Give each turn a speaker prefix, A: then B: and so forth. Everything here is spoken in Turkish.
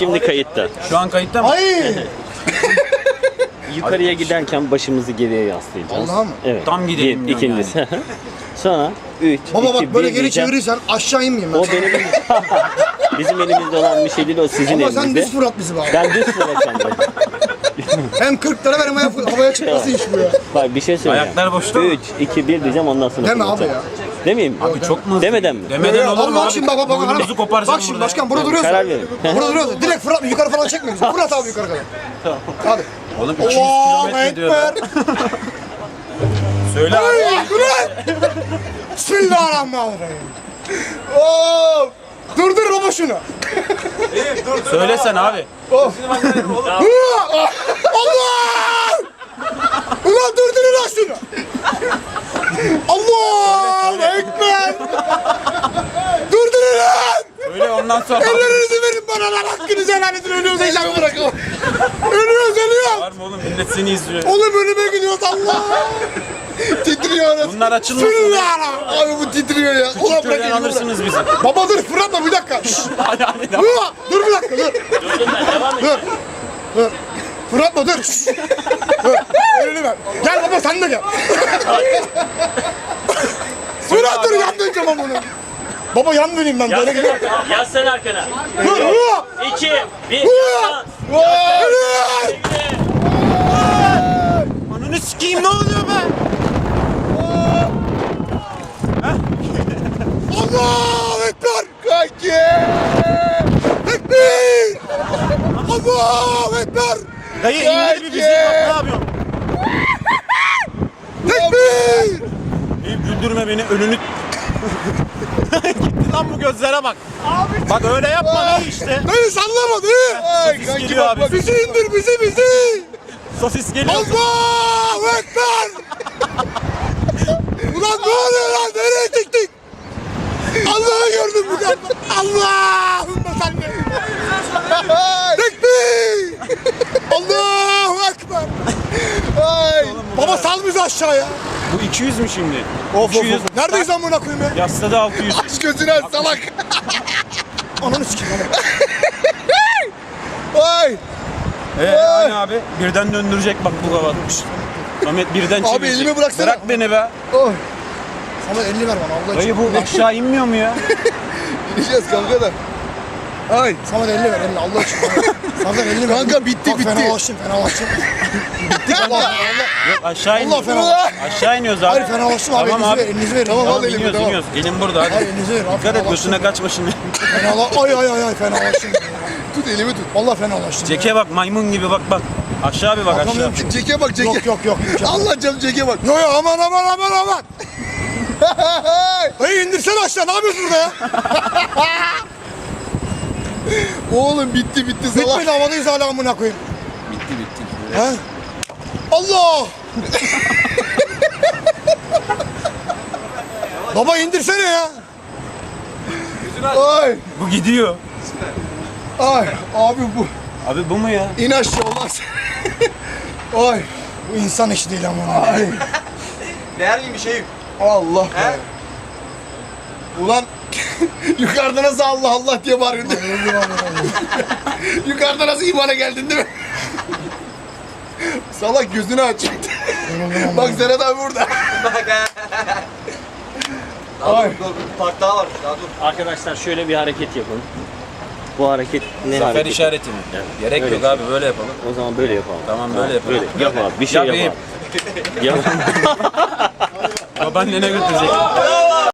A: Şimdi kayıtta.
B: Şu an kayıtta mı?
C: Ay!
A: Yukarıya giderken başımızı geriye yaslayacağız.
C: Vallahi mı?
A: Evet.
B: Tam gidelim
A: Bir, ikincisi. Sonra 3,
C: Baba
A: 2,
C: bak böyle
A: 1
C: geri
A: diyeceğim.
C: çevirirsen aşağı inmeyeyim ben.
A: O benim bizim elimizde olan bir şey değil, o sizin
C: Ama sen
A: elinizde.
C: düz fırlat bizi bari.
A: Ben düz fırlatacağım.
C: Hem 40 lira ver hem havaya çıkması iş bu ya.
A: Bak bir şey söyleyeceğim.
B: Ayaklar boşta mı?
A: 3, 2, 1 diyeceğim, ondan sonra
C: Deme abi
A: fırlatacağım.
C: ya.
A: Demeyeyim mi?
B: Abi çok mu hızlı?
A: Demeden mi?
B: Demeden olur mu
C: Allah
B: abi?
C: şimdi bak
B: Boynumuzu koparacağım
C: Bak şimdi
B: burada.
C: başkan burada duruyorsun.
A: Karar verin.
C: Burada duruyorsun. Direkt fırlatma yukarı falan çekme bizi. Fırlat abi yukarı kadar. Hadi.
B: Oğlum 200
C: Allahu
B: kilometre diyor.
C: Ekber.
B: Söyle abi.
C: Ay, dur. Bismillahirrahmanirrahim. Oo! Durdur baba şunu.
B: Söylesen abi.
C: Allah! Ulan durdurun lan şunu. Allahu Ekber. Durdurun lan.
B: Öyle ondan sonra.
C: Ellerinizi verin bana lan, hakkınızı helal edin, ölüyoruz heyecanı bırakın. Ölüyoruz.
B: Var mı oğlum? Millet seni izliyor.
C: Oğlum önüme gidiyoruz Allah. Titriyoruz.
B: Bunlar açılmasın.
C: Bismillah. Abi bu titriyor ya. Ulan bırak
B: Köyden
C: elimi, bırak.
B: alırsınız bizi.
C: Baba dur fırlatma bir dakika. Şşş. Dur bir dakika dur. Dur. Fırlatma dur. Şşş. Dur. Elini ver. Gel baba sen de gel. Fırat dur yan döneceğim ama bunu. Baba yan döneyim ben böyle gidiyorum.
A: Yaslan arkana.
C: Dur.
A: 2, 1,
B: Ananı sikeyim, ne oluyor be?
C: Allahu Ekber. Kanki. Tekbir. Allahu Ekber.
B: Dayı indir bir bizi, bak ne yapıyorsun?
C: Tekbir.
B: Eyüp güldürme beni, önünü... Gitti lan bu gözlere bak. Bak öyle yapma dayı işte.
C: Dayı sallama dayı. Ay
B: kanki geliyor bak, abi.
C: Bizi indir bizi.
B: Sosis geliyor.
C: Allahu Ekber. Ulan ne oluyor lan? Nereye çıktık? Allah'ı gördüm bu kadar. Allahümme salli. Tekbir. Allahu Ekber. Ay. Baba sal bizi aşağıya.
B: Bu 200 mü şimdi?
C: Of
B: 200.
C: Neredeyiz amına koyayım ya?
B: Yasladı 600.
C: Aç gözünü aç salak. Ananı sikeyim ama. Ay.
B: Hani abi birden döndürecek bak bu kavatmış. Ahmet birden çevirecek.
C: Abi elimi bıraksana.
B: Bırak beni be.
C: Oh. Sana 50 ver bana Allah
B: Dayı bu aşağı inmiyor mu ya?
C: İneceğiz kanka da. Ay. Sana da 50 ver 50 Allah aşkına. Sana da 50 ver. Kanka bitti. Fenalaştım. Bitti kanka. Allah.
B: Yok aşağı
C: Allah
B: iniyoruz.
C: fenalaştım.
B: Aşağı iniyoruz abi.
C: Hayır fenalaştım abi.
B: Tamam
C: Elinizi verin. Tamam
B: Tamam
C: al elimi
B: iniyoruz
C: tamam.
B: iniyoruz. Gelin burada hadi.
C: Hayır elinizi verin.
B: Dikkat et gözüne kaçma şimdi.
C: Ay fenalaştım. Tut elimi tut. Vallahi fenalaştım.
B: Ceke bak maymun gibi bak. Aşağı bir bak aşağı.
C: Bakamıyorum ki.
D: Ceke bak ceke.
C: Yok.
D: Allah canım ceke bak.
C: Yo aman. Dayı indirsene aşağı. Ne yapıyorsun burada ya?
D: Oğlum bitti salak.
C: Bitmedi havadayız hala amına koyayım.
D: Bitti.
C: He? Allah! Baba indirsene ya.
D: Ay
B: Bu gidiyor.
D: ay abi bu.
B: Abi bu mu ya?
D: İn aşağı olmaz.
C: Ay. Bu insan işi değil ama.
D: Ay.
E: Değer miyim bir şey?
D: Allah be. Ulan yukarıda nasıl Allah diye bağırıyordun? Yukarıda nasıl imana geldin değil mi? Salak gözünü aç. Bak Serhat abi burada.
E: Ay. Dur, park daha var. Daha dur.
A: Arkadaşlar şöyle bir hareket yapın. Bu hareket ne
B: Zafer
A: hareketi?
B: işareti mi?
A: Yani
B: Gerek
A: öyle
B: yok
A: şey.
B: abi böyle yapalım.
A: O zaman böyle yapalım.
B: Tamam böyle yapalım.
A: Böyle yap abi, bir şey
B: Yap
A: yap
B: Eyüp.
A: abi. Yap.
B: Babaannene götürecek.